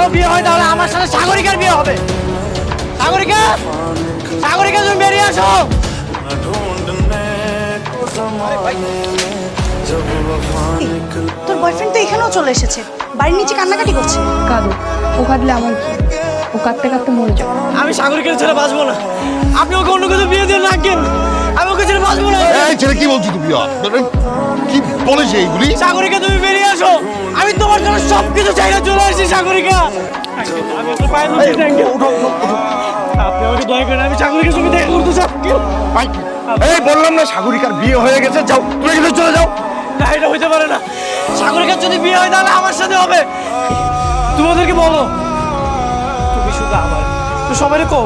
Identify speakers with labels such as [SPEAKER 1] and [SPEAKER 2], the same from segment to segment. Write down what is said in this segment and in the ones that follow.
[SPEAKER 1] বিয়ে হয় তাহলে আমার সাথে সাগরিকার বিয়ে হবে। সাগরিকা, সাগরিকা তুমি বেরিয়ে আসো।
[SPEAKER 2] তোর বয়ফ্রেন্ড তো এখানেও চলে এসেছে, বাড়ির নিচে কান্নাকাটি করছে।
[SPEAKER 3] কাঁদো, ও কাঁদলে আমার কি? ও কাঁদতে কাঁদতে মরে যাবে।
[SPEAKER 1] আমি সাগরিকার ছেড়ে বাঁচবো না। আপনি ওকে অন্য কিছু বিয়ে দিয়ে রাখেন, আমি ওকে ছেড়ে বাঁচবো না।
[SPEAKER 4] এই ছেলে কি বলছো তুমি? কি বলেছে এইগুলি?
[SPEAKER 1] সাগরিকা তুমি বেরিয়ে আসো, আমি তোমার জন্য সবকিছু চাইলে চলে আসছি। সাগরিকা, আমি একটু পায়ে ধরছি। Thank you. আপনি আমাকে দয়া করেন, আমি সাগরিকার সঙ্গে দেখা করতে চাই।
[SPEAKER 4] এই বললাম না সাগরিকার বিয়ে হয়ে গেছে, যাও তুমি এখানে চলে যাও।
[SPEAKER 1] না, এটা হইতে পারে না। সাগরিকার যদি বিয়ে হয় তাহলে আমার সাথে হবে। তোমাদেরকে বলো, তুমি শুধু আমার, তো সবাই কো।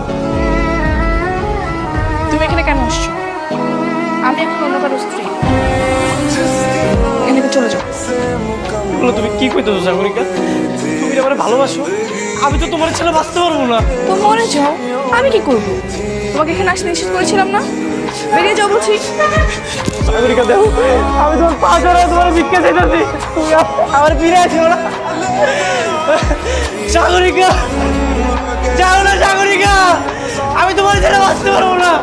[SPEAKER 3] তুমি এখানে কেন আসছো? আমি এখন অন্য কারো স্ত্রী। এখানে চলে যাও।
[SPEAKER 1] বলো তুমি কি কইতেছো সাগরিকা? তুমি আমার ভালোবাসো? আমি তো তোমার ছেলে বাঁচতে পারবো না।
[SPEAKER 3] তো মরে যাও, আমি কি করব? তোমাকে এখানে আসতে নিষেধ করেছিলাম না? বেরিয়ে যাও বলছি।
[SPEAKER 1] সাগরিকা দেখো, আমি তোমার পা ধরে তোমার ভিক্ষা চাইতেছি, তুমি আমার ফিরে আসো না। সাগরিকা, যাও না সাগরিকা, আমি তোমার ছেলে বাঁচতে পারবো না।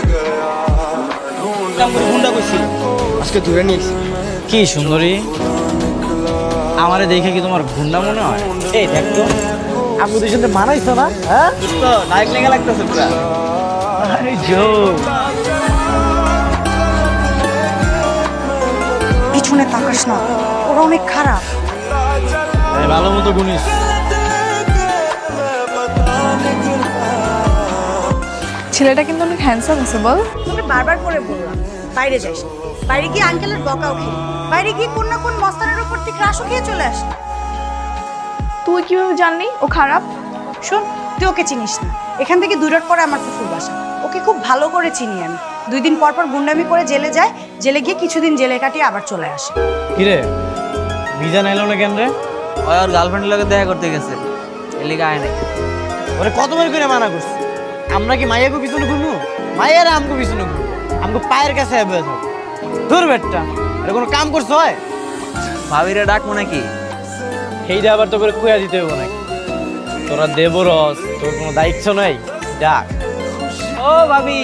[SPEAKER 1] গুন্ডা করছি, আজকে ধরে নিয়েছি। কি সুন্দরী, আমারে দেখে কি তোমার গুন্ডা মনে হয়? এই দেখতো, আমি ওদের সাথে মানাইছো না? হ্যাঁ, নায়ক লেগে লাগতেছে পুরা। আরে জোক।
[SPEAKER 2] পিছনে তাকাস না, ওরা অনেক খারাপ।
[SPEAKER 1] ভালো মতো গুনিস।
[SPEAKER 3] ছেলেটা কিন্তু অনেক হ্যান্ডসাম আছে বল।
[SPEAKER 2] তোকে বারবার করে বললাম বাইরে যাস না। বাইরে গিয়ে আঙ্কেলের বকাও খেয়ে, বাইরে গিয়ে কোন না কোন মস্তানের উপর থেকে রাশও খেয়ে চলে আস।
[SPEAKER 3] তুই কিভাবে জানলি ও খারাপ?
[SPEAKER 2] শোন, তুই ওকে চিনিস না। এখান থেকে 2 রোড পরে আমার ফুফুর বাসা। ওকে খুব ভালো করে চিনি আমি। 2 দিন পর পর গুন্ডামি করে জেলে যায়, জেলে গিয়ে কিছুদিন জেলে কাটিয়ে আবার চলে আসে।
[SPEAKER 1] কিরে, ভিজা নাইলো না কেন রে?
[SPEAKER 5] ওই ওর গার্লফ্রেন্ডের লগে দেখা করতে গেছে, এর লিগে আয় নাই।
[SPEAKER 1] ওরে কতবার করে মানা করছি, আমরা কি মাইয়াকে পিছনে ঘুরবো? মাইয়ারা আমগো পিছনে ঘুরবো, আমগো পায়ের কাছে হবে। দূর বেটটা, এটা কোনো কাম করছো হয়?
[SPEAKER 5] ভাবিরে ডাকবো নাকি?
[SPEAKER 1] সেইটা আবার তো করে কুয়া দিতে হবে নাকি? তোরা দেবরস, তোর কোনো দায়িত্ব নাই, ডাক।
[SPEAKER 5] ও ভাবি,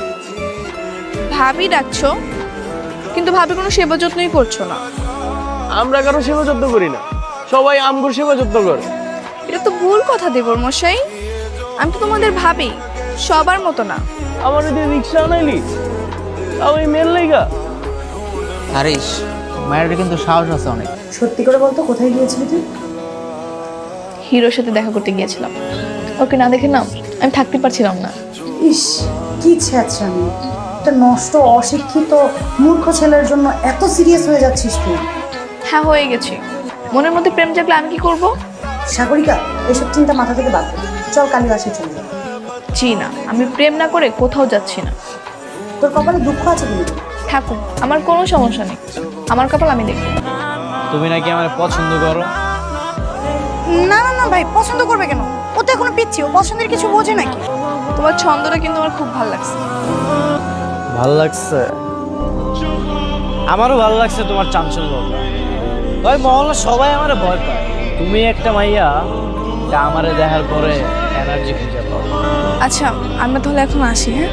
[SPEAKER 3] ভাবি ডাকছো, কিন্তু ভাবি কোনো সেবা যত্নই করছো না।
[SPEAKER 1] আমরা কারো সেবা যত্ন করি না, সবাই আমগোর সেবা যত্ন করে।
[SPEAKER 3] এটা তো ভুল কথা দেবর মশাই। আমি তো তোমাদের ভাবি, সবার মতো না।
[SPEAKER 1] আমার এদের রিক্সা আনাইলি, তাও এই মেল লাইগা।
[SPEAKER 5] হারিস, মায়ের কিন্তু সাহস আছে অনেক।
[SPEAKER 2] সত্যি করে বলতো, কোথায় গিয়েছিলি তুই?
[SPEAKER 3] হিরোর সাথে দেখা করতে গিয়েছিলাম। ওকে না দেখে না আমি থাকতে পারছিলাম না।
[SPEAKER 2] ইস, কি ছ্যাঁচড়ামি! একটা নষ্ট অশিক্ষিত মূর্খ ছেলের জন্য এত সিরিয়াস হয়ে যাচ্ছিস তুই?
[SPEAKER 3] হ্যাঁ, হয়ে গেছি। মনের মধ্যে প্রেম জাগলে আমি কি করব?
[SPEAKER 2] সাগরিকা, এসব চিন্তা মাথা থেকে বাদ দে। চল কালীবাসে চলে যা।
[SPEAKER 3] জি না, আমি প্রেম না করে কোথাও যাচ্ছি না।
[SPEAKER 2] তোর কপালে দুঃখ আছে কিন্তু।
[SPEAKER 3] থাকুন, আমার কোনো সমস্যা নেই। আমার কপাল আমি দেখব।
[SPEAKER 1] তুমি নাকি আমার পছন্দ করো?
[SPEAKER 2] না না না ভাই, পছন্দ করবে কেন? ও তো এখনো পিচ্ছি, ও পছন্দের কিছু বোঝে নাকি?
[SPEAKER 3] তোমার ছন্দটা কিন্তু আমার খুব ভালো লাগছে।
[SPEAKER 1] ভাল লাগছে, আমারও ভালো লাগছে তোমার চাঞ্চল্যতা। ওই মহল্লা সবাই আমারে ভয় পায়। তুমি একটা মাইয়া, তা আমারে দেখার পরে এনার্জি খুঁজে পাও।
[SPEAKER 3] আচ্ছা, আমরা তাহলে এখন আসি। হ্যাঁ,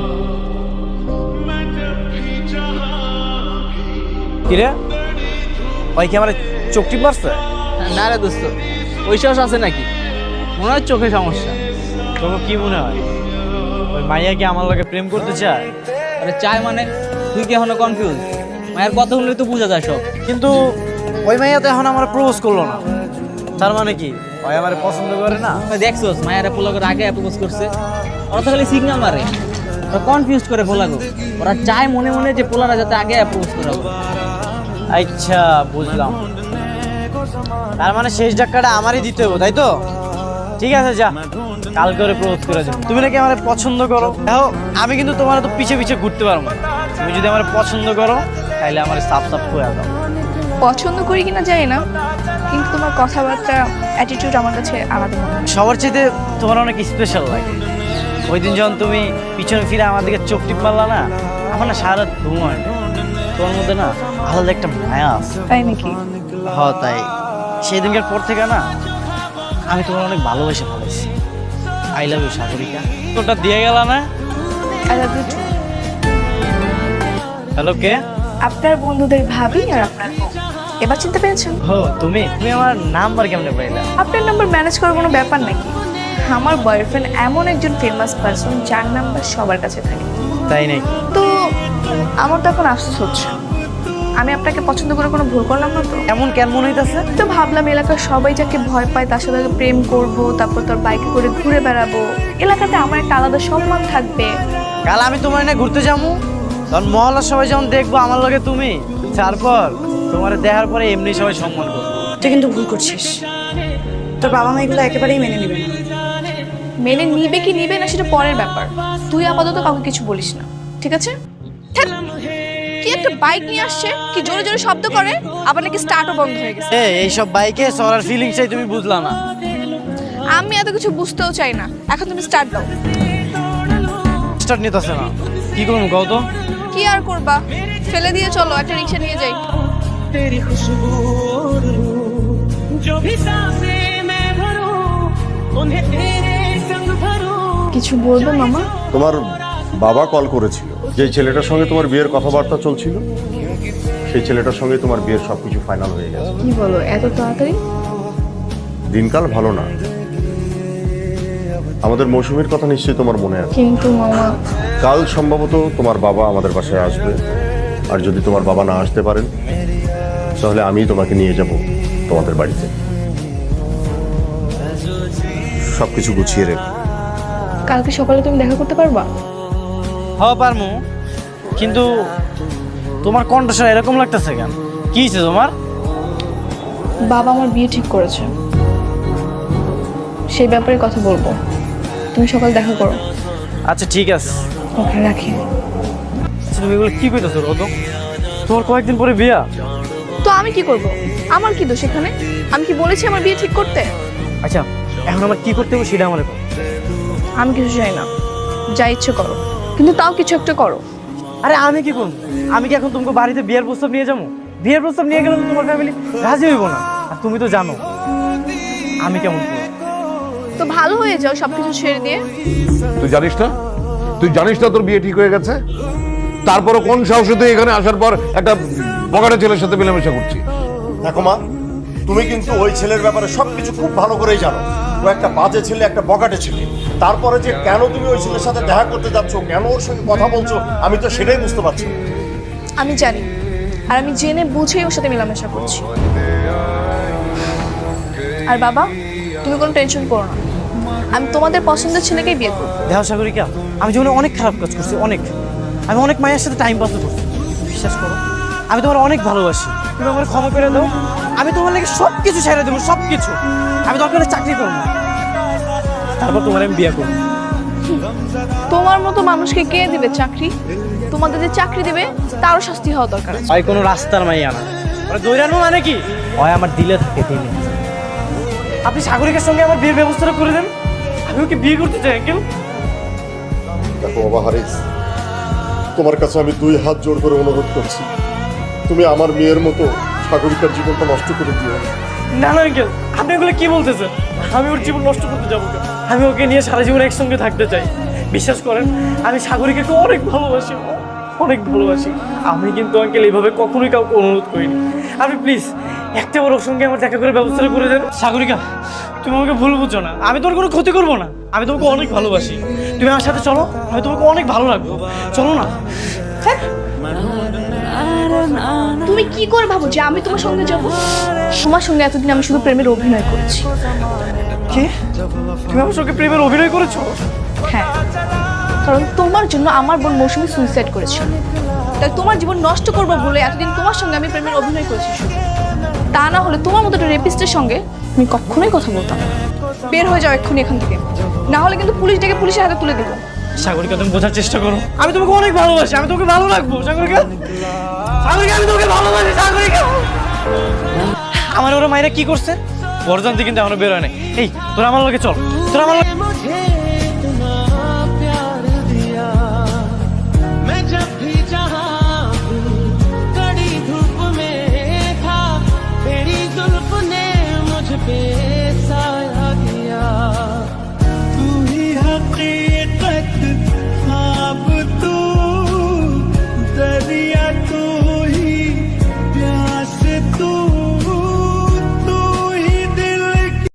[SPEAKER 1] কিরে, ওই কি আমার চোখ টিপ মারছে?
[SPEAKER 5] না রে দোস্ত, ওই সাহস আছে নাকি? মনে হয় চোখে সমস্যা।
[SPEAKER 1] তোকে কি মনে হয় ওই মাইয়া কি আমার লগে প্রেম করতে চায়?
[SPEAKER 5] আরে চাই মানে? তুই কি এখনো কনফিউজ? মায়ের কথা শুনলে তো বোঝা যায় সব।
[SPEAKER 1] কিন্তু ওই মাইয়া তো এখন আমার প্রপোজ করলো না, তার মানে কি ওই আমার পছন্দ করে না?
[SPEAKER 5] দেখছোস মায়েরা পোলাগোর আগে অ্যাপ্রোচ করছে? ওরা তো খালি সিগন্যাল মারে, ওরা কনফিউজ করে পোলাগো। ওরা চায় মনে মনে যে পোলারা যাতে আগে অ্যাপ্রোচ করে।
[SPEAKER 1] আচ্ছা, বুঝলাম। তার মানে শেষ ধাক্কাটা আমারই দিতে হবে, তাই তো? ঠিক আছে, যা, কাল করে প্রপোজ করে দেব। তুমি নাকি আমার পছন্দ করো। দেখো, আমি কিন্তু তোমার তো পিছে পিছে ঘুরতে পারবো না। তুমি যদি আমার পছন্দ করো তাহলে আমার সাপ সাপ করে দাও।
[SPEAKER 3] পছন্দ করি কিনা জানি না, কিন্তু তোমার কথাবার্তা, অ্যাটিটিউড আমার কাছে আলাদা মনে হয়।
[SPEAKER 1] সবার চাইতে তোমার অনেক স্পেশাল লাগে। ওই দিন যখন তুমি পিছনে ফিরে আমার দিকে চোখ টিপ মারলা না, আমার না সারা রাত ঘুম হয় না। তোমার মধ্যে না আলাদা একটা মায়া আছে।
[SPEAKER 3] তাই নাকি?
[SPEAKER 1] তাই সেই দিনকার পর থেকে না আমি তোমার অনেক ভালোবেসে ফেলেছি। I love you Sagarika. তোরটা দিয়ে গেল না?
[SPEAKER 3] I love you too.
[SPEAKER 1] Hello, কে?
[SPEAKER 3] আপনার বন্ধুদের ভাবি আর আপনার বউ। এবার চিনতে পেরেছেন?
[SPEAKER 1] ও তুমি তুমি আমার নাম্বার কেমনে পাইলা?
[SPEAKER 3] আপনার নাম্বার ম্যানেজ করার কোনো ব্যাপার নাকি? আমার বয়ফ্রেন্ড এমন একজন ফেমাস পারসন যার নাম্বার সবার কাছে থাকে।
[SPEAKER 1] তাই নাকি?
[SPEAKER 3] তো আমার তো এখন আফসোস হচ্ছে, আমি আপনাকে পছন্দ করে কোনো ভুল করলাম না তো?
[SPEAKER 1] এমন কেমন হইতাছে?
[SPEAKER 3] তো ভাবলাম এলাকার সবাই যাকে ভয় পায় তার সাথে আগে প্রেম করব, তারপর তোর বাইকে করে ঘুরে বেড়াবো, এলাকাতে আমার একটা আলাদা সম্মান থাকবে।
[SPEAKER 1] কাল আমি তোমার এনে ঘুরতে যাবো, তখন মহল্লার সবাই যেমন দেখবো আমার লগে তুমি, তারপর তোমার দেখার পরে এমনি সবাই সম্মান করবো।
[SPEAKER 2] তুই কিন্তু ভুল করছিস। তোর বাবা মা এগুলো একেবারেই মেনে নেবে না।
[SPEAKER 3] মেনে নিবে কি নিবে না সেটা পরের ব্যাপার। তুই আপাতত কাউকে কিছু বলিস না, ঠিক আছে? ধ্যাৎ, কি একটা বাইক নিয়ে আসছে, কি জোরে জোরে শব্দ করে, আবার নাকি স্টার্টও বন্ধ হয়ে গেছে।
[SPEAKER 1] এইসব বাইকে চলার ফিলিংস চাই, তুমি বুঝলা না?
[SPEAKER 3] আমি এত কিছু বুঝতেও চাই না, এখন তুমি স্টার্ট দাও।
[SPEAKER 1] স্টার্ট নিতেছে না, কি করবো কও তো?
[SPEAKER 3] কি আর করবা, ফেলে দিয়ে চলো, একটা রিক্সা নিয়ে যাই।
[SPEAKER 6] तेरी खुशबू जो भी सांसें मैं भरूं उन्हें तेरे संग भरूं।
[SPEAKER 3] কিছু বলবো মামা?
[SPEAKER 4] তোমার বাবা কল করেছিল, যে ছেলেটার সঙ্গে তোমার বিয়ের কথাবার্তা চলছিল সেই ছেলেটার সঙ্গে তোমার বিয়ের সবকিছু ফাইনাল হয়ে গেছে।
[SPEAKER 3] কি বলো এত তাড়াতাড়ি?
[SPEAKER 4] দিনকাল ভালো না। আমাদের মৌসুমীর কথা নিশ্চয়ই তোমার মনে আছে।
[SPEAKER 3] কিন্তু মামা,
[SPEAKER 4] কাল সম্ভবত তোমার বাবা আমাদের বাসায় আসবে, আর যদি তোমার বাবা না আসতে পারেন তাহলে আমি তোমাকে নিয়ে যাব তোমাদের বাড়িতে। সবকিছু গুছিয়ে রেখো।
[SPEAKER 3] কালকে সকালে তুমি দেখা করতে পারবা?
[SPEAKER 1] হ্যাঁ পারমু, কিন্তু তোমার কণ্ঠস্বর এরকম লাগতেছে কেন? কি হয়েছে তোমার?
[SPEAKER 3] বাবা আমার বিয়ে ঠিক করেছে, সেই ব্যাপারে কথা বলবো। তুমি সকাল দেখা করো।
[SPEAKER 1] আচ্ছা ঠিক আছে।
[SPEAKER 3] ওকে, রাখি।
[SPEAKER 1] আচ্ছা তুমি এগুলো কি কইতেছো রোদ? তোমার কয়েকদিন পরে বিয়া।
[SPEAKER 3] তো আমি কি করব? আমার কি দোষ এখানে? আমি কি বলেছি আমার বিয়ে ঠিক করতে?
[SPEAKER 1] আচ্ছা এখন আমার কি করতে হবে সেটা আমার বলো।
[SPEAKER 3] আমি কিছু চাই না, যা ইচ্ছে করো, কিন্তু তাও কিছু একটা করো।
[SPEAKER 1] আরে আমি কি করবো? আমি কি এখন তোমাকে বাড়িতে বিয়ের প্রস্তাব নিয়ে যাবো? বিয়ের প্রস্তাব নিয়ে গেলে তো তোমার ফ্যামিলি রাজি হইব না, আর তুমি তো জানো আমি কেমন করবো।
[SPEAKER 3] তো ভালো হয়ে যাও সবকিছু ছেড়ে দিয়ে।
[SPEAKER 7] তুই জানিস না? তুই জানিস না তোর বিয়ে ঠিক হয়ে গেছে? তারপরও কোন সাহসে তুই এখানে আসার পর একটা বগাটা ছেলের সাথে মেলামেশা করছিস?
[SPEAKER 4] দেখো মা, তুমি কিন্তু ওই ছেলের ব্যাপারে সবকিছু খুব ভালো করেই জানো। ও একটা বাজে ছেলে, একটা বগাটে ছেলে। তারপরে যে কেন তুমি ওই ছেলের সাথে দেখা করতে যাচ্ছ, কেন ওর সঙ্গে কথা বলছো, আমি তো সেটাই বুঝতে পারছি না।
[SPEAKER 3] আমি জানি, আর আমি জেনে বুঝেই ওর সাথে মেলামেশা করছি। আর বাবা, তুমি কোনো টেনশন করো না, আমি তোমাদের পছন্দের ছেলেকেই বিয়ে করবো।
[SPEAKER 1] দেহ সাগরিকা, আমি জীবনে অনেক খারাপ কাজ করছি, অনেক। আমি অনেক মায়ের সাথে টাইম পাস করছি, বিশ্বাস করো আমি তোমার অনেক ভালোবাসি। তুমি আমার ক্ষমা করে দাও, আমি তোমার লাগে সব কিছু ছেড়ে দেবো, সব কিছু। আমি দরকার হলে চাকরি করবো, তারপর তোমার আমি বিয়ে করবো।
[SPEAKER 3] তোমার মতো মানুষকে কে দিবে চাকরি? তোমাদের যে চাকরি দিবে তারও শাস্তি হওয়া দরকার আছে।
[SPEAKER 1] হয় কোনো রাস্তার মাইয়া না, মানে দৈরানো মানে কি হয় আমার দিলে থাকে দিনে। আপনি সাগরিকার সঙ্গে আমার বিয়ের ব্যবস্থাটা করে দেন, আমি ওকে বিয়ে করতে চাই। কেউ
[SPEAKER 4] দেখো বাবা হারিস, তোমার কাছে আমি 2 হাত জোর করে অনুরোধ করছি, তুমি আমার মেয়ের মতো সাগরিকার জীবনটা নষ্ট করে দিও না।
[SPEAKER 1] না না আঙ্কেল, আপনি এগুলো কি বলতেছেন? আমি ওর জীবন নষ্ট করতে যাবো কেন? আমি ওকে নিয়ে সারা জীবন একসঙ্গে থাকতে চাই। বিশ্বাস করেন, আমি সাগরিকাকে অনেক ভালোবাসি, অনেক ভালোবাসি। আমি কিন্তু আঙ্কেল এইভাবে কখনোই কাউকে অনুরোধ করিনি। আপনি প্লিজ একটা বার ওর সঙ্গে আমার দেখা করে ব্যবস্থাটা করে দেন। সাগরিকা, তুমি আমাকে ভুল বুঝছো না, আমি তোর কোনো ক্ষতি করবো না। আমি তোমাকে অনেক ভালোবাসি, তুমি আমার সাথে চলো, আমি তোমাকে অনেক ভালো লাগবো। চলো না।
[SPEAKER 3] তুমি কি করে ভাবো যে আমি তোমার সঙ্গে যাব? তোমার সঙ্গে এতদিন আমি শুধু প্রেমের অভিনয় করেছি।
[SPEAKER 1] কি? তুমি আমার সঙ্গে প্রেমের অভিনয় করেছো?
[SPEAKER 3] হ্যাঁ, কারণ তোমার জন্য আমার বোন মৌসুমী সুইসাইড করেছিল, তাই তোমার জীবন নষ্ট করবো বলে এতদিন তোমার সঙ্গে আমি প্রেমের অভিনয় করেছি শুধু। তা না হলে তোমার মতো একটা রেপিস্টের সঙ্গে আমি কখনোই কথা বলতাম না। বের হয়ে যাও এক্ষুনি এখান থেকে, না হলে কিন্তু পুলিশ ডেকে পুলিশের হাতে তুলে দেবো।
[SPEAKER 1] সাগরিকা, তুমি বোঝার চেষ্টা করো, আমি তোমাকে অনেক ভালোবাসি, আমি তোমাকে ভালো রাখবো। সাগরিকা, সাগরিকা, আমি তোমাকে ভালোবাসি। সাগরিকা, আমার ওরা মায়েরা কি করছে? বরজান্তি কিন্তু এখনো বের হয় নাই। এই তোরা আমার লগে চল, তোরা আমার লগে।